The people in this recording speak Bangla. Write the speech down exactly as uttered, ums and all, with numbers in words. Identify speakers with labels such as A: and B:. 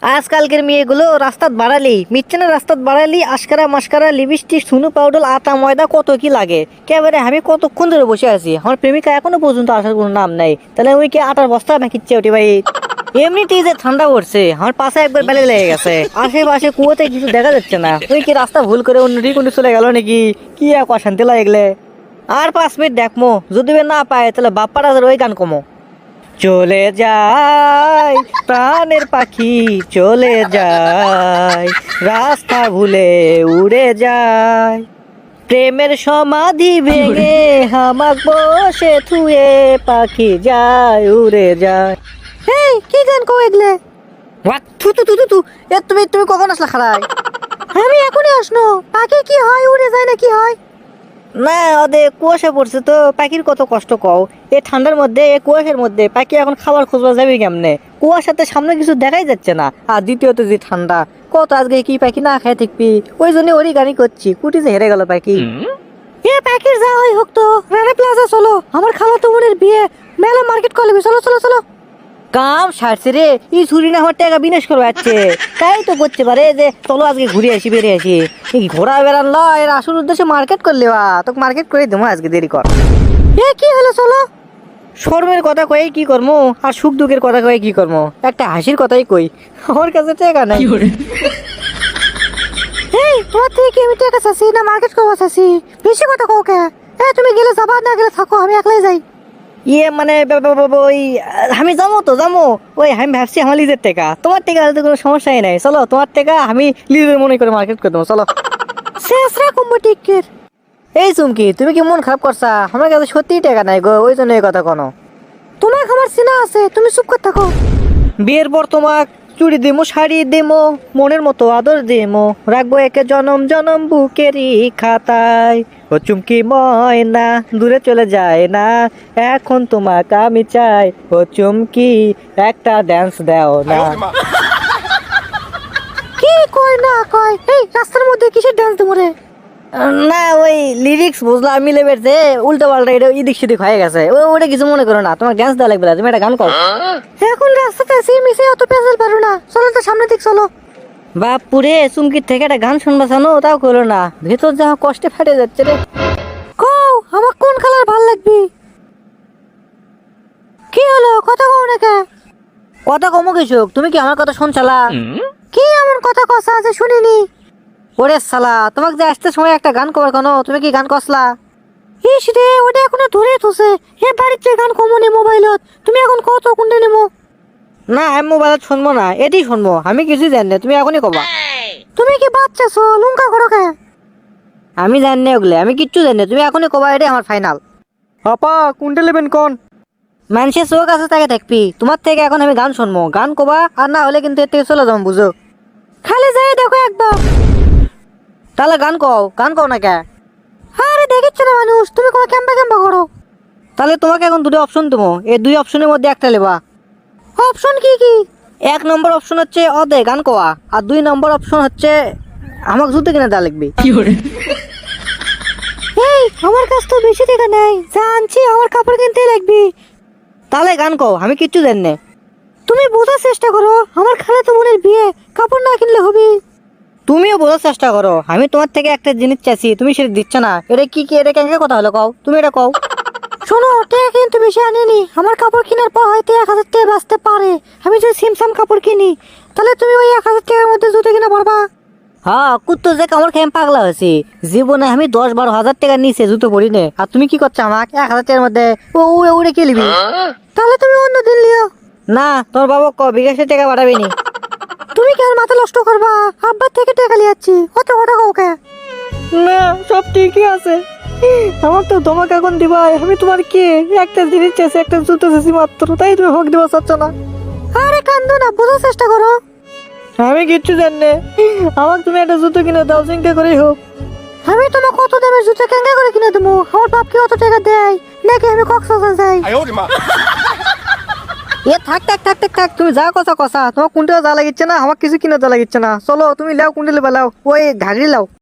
A: আজকালকের মেয়েগুলো রাস্তাত বাড়ালি মিচ্ছেনা রাস্তাত বাড়ালি আশকারা মাস্কারা লিপস্টিক সুনু পাউডার আটা ময়দা কত কি লাগে কেবারে আমি কতক্ষণ ধরে বসে আছি আমার প্রেমিকা এখনো পর্যন্ত আসার কোনো নাম নাই তাহলে ওই কি আটার বস্তা নাকিচ্ছে ওটি ভাই এমনিতেই যে ঠান্ডা পড়ছে আমার পাশে একবার বেলে লেগে গেছে আশেপাশে কুয়োতে কিছু দেখা যাচ্ছে না ওই কি রাস্তা ভুল করে অন্য দিকে চলে গেল নাকি কি এক অশান্তি লাগলে আর পাঁচ মিনিট দেখমো যদি না পায় তাহলে বাপ্পার ওই গান কমো চলে যায় প্রাণের পাখি চলে যায় রাস্তা ভুলে উড়ে যায় প্রেমের সমাধি ভেঙে হামাক বসে থুয়ে পাখি যায় উড়ে যায়। এই কি গান কো এগলে ওয়াট থু থু থু থু এ তুমি তুমি কখন আসলা খাড়াই আমি এখনই আসনো পাখি কি হয় উড়ে যায় না কি হয় না ওদের কুয়াশা পড়ছে তো পাখির কত কষ্ট কও এই ঠান্ডার মধ্যে এই কুয়াশার মধ্যে পাখি এখন খাবার খুঁজবা যাবে কেমনে কুয়াশাতে সামনে কিছু দেখাই যাচ্ছে না আর দ্বিতীয়ত যে ঠান্ডা কত আজকে কি পাখি না খায় থাকবি ওই জন্য ওরই গাড়ি করছি কুটি যে হেরে গেল পাখি এ পাখির যা হয় হোক তো রানা প্লাজা চলো আমার খালাতো বোনের বিয়ে মেলা মার্কেট করবি চলো চলো চলো কাম সারছে রে এই ছুরি না আমার টাকা বিনাশ করবে যাচ্ছে তাই তো করতে পারে যে চলো আজকে ঘুরে আসি বেড়ে আসি ঘোরা বেড়ান ল এর আসল উদ্দেশ্যে মার্কেট করলে বা তোকে মার্কেট করে দেবো আজকে দেরি কর এ কি হলো চলো শর্মের কথা কয়ে কি করবো আর সুখ দুঃখের কথা কয়ে কি করবো একটা হাসির কথাই কই আমার কাছে টাকা নাই এই তোমার থেকে কি আমি টাকা চাচ্ছি না মার্কেট করবো চাচ্ছি বেশি কথা কও কে এ তুমি গেলে যাবা না গেলে থাকো আমি একলাই যাই ইয়ে মানে ওই আমি যাবো তো যাবো ওই আমি ভাবছি আমার লিজের টাকা তোমার টাকা হলে তো কোনো সমস্যাই নাই চলো তোমার টাকা আমি লিজের মনে করে মার্কেট করে দেবো চলো শেষরা কুম্ভ টিকের এই চুমকি তুমি কি মন খারাপ করছা আমার কাছে সত্যিই টাকা নাই গো ওই জন্য এই কথা কোনো তোমার আমার চেনা আছে তুমি চুপ করে থাকো বিয়ের পর তোমাক চুড়ি দিমো শাড়ি দিমো মনের মতো আদর দিমো রাখবো একে জনম জনম বুকেরই খাতায় ও চুমকি ময়না দূরে চলে যায় না এখন তোমাকে আমি চাই ও চুমকি একটা ড্যান্স দাও না কি কয় না কয় এই রাস্তার মধ্যে কিসের ড্যান্স দেবো রে না ওই লিরিক্স বুঝলাম আমি লেবের যে উল্টো পাল্টা এটা ইদিক সিদিক হয়ে গেছে ওই ওটা কিছু মনে করো না তোমার ড্যান্স দেওয়া লাগবে না তুমি একটা গান করো এখন রাস্তাতে আসি মিশে অত পেঁচাল পারো না চলো তো সামনে দিক চলো বাপুরে চুমকির থেকে একটা গান শুনবা জানো তাও করো না ভেতর যা কষ্টে ফেটে যাচ্ছে রে কও আমার কোন কালার ভাল লাগবে কি হলো কথা কও না কে কথা কমো কিছু তুমি কি আমার কথা শুনছালা কি এমন কথা কসা আছে শুনিনি ওরে সালা তোমাকে যে আসতে সময় একটা গান করার কেন তুমি কি গান কসলা ইস রে ওটা এখনো ধরে থুছে হে বাড়িতে গান কমনে মোবাইলত তুমি এখন কত কোনটা নেমো না আমি মোবাইলত শুনবো না এটি শুনবো আমি কিছু জানি না তুমি এখনই কবা তুমি কি বাচ্চা ছো লুঙ্কা করো কে আমি জানি না ওগুলো আমি কিচ্ছু জানি না তুমি এখনই কবা এটাই আমার ফাইনাল আপা কোনটা নেবেন কোন মানুষের চোখ আছে তাকে দেখবি তোমার থেকে এখন আমি গান শুনবো গান কবা আর না হলে কিন্তু এর থেকে চলে যাবো বুঝো খালি যাই দেখো একবার তাহলে গান কও গান কও না কে আরে দেখিচ্ছে না মানুষ তুমি কো ক্যাম্পা ক্যাম্পা করো তাহলে তোমাকে এখন দুটো অপশন দেবো এই দুই অপশনের মধ্যে একটা লেবা অপশন কি কি এক নম্বর অপশন হচ্ছে অদে গান কোয়া আর দুই নম্বর অপশন হচ্ছে আমাকে জুতো কিনে দেওয়া লাগবে এই আমার কাছে তো বেশি টাকা নেই জানছি আমার কাপড় কিনতেই লাগবে তাহলে গান কও আমি কিচ্ছু জানি না তুমি বোঝার চেষ্টা করো আমার খালাতো বোনের বিয়ে কাপড় না কিনলে হবে তুমিও বোঝার চেষ্টা করো আমি তোমার থেকে একটা জিনিস চাইছি তুমি সেটা দিচ্ছ না এটা কি কি এটা কেন কথা হলো কও তুমি এটা কও শোনো টাকা কিন্তু বেশি আনেনি আমার কাপড় কেনার পর হয়তো এক হাজার টাকা বাঁচতে পারে আমি যদি সিমসাম কাপড় কিনি তাহলে তুমি ওই এক হাজার টাকার মধ্যে জুতো কিনে পারবা হ্যাঁ কুত্তো যে কামড় খেয়ে পাগলা হয়েছি জীবনে আমি দশ বারো হাজার টাকা নিচে জুতো পরি নে আর তুমি কি করছো আমাকে এক হাজার টাকার মধ্যে ও উড়ে উড়ে কে নিবি তাহলে তুমি অন্য দিন লিও না তোর বাবা ক বিকাশে টাকা পাঠাবি নি তুমি কি আর মাথা নষ্ট করবা আব্বার থেকে টাকা লিয়াচ্ছি কত কটা কাউকে না সব ঠিকই আছে আমার তো তোমাকে এখন দিবা আমি তোমার কে একটা জিনিস চাইছি একটা জুতো চাইছি মাত্র তাই তুমি হক দিবা চাচ্ছ না আরে কান্দো না বোঝার চেষ্টা করো আমি কিচ্ছু জানি না আমাকে তুমি একটা জুতো কিনে দাও চিন্তা করেই হোক আমি তোমার কত দামের জুতো কেঙ্গা করে কিনে দেবো আমার বাপ কি অত টাকা দেয় নাকি আমি কক্সবাজার যাই এ থাক থাক থাক থাক থাক তুমি যা কথা কথা তোমার কোনটা যা লাগিচ্ছে না আমার কিছু কিনে যা লাগিচ্ছে না চলো তুমি লাও কুন্ডে লেবা লাও ওই ঘাগড়ি লাও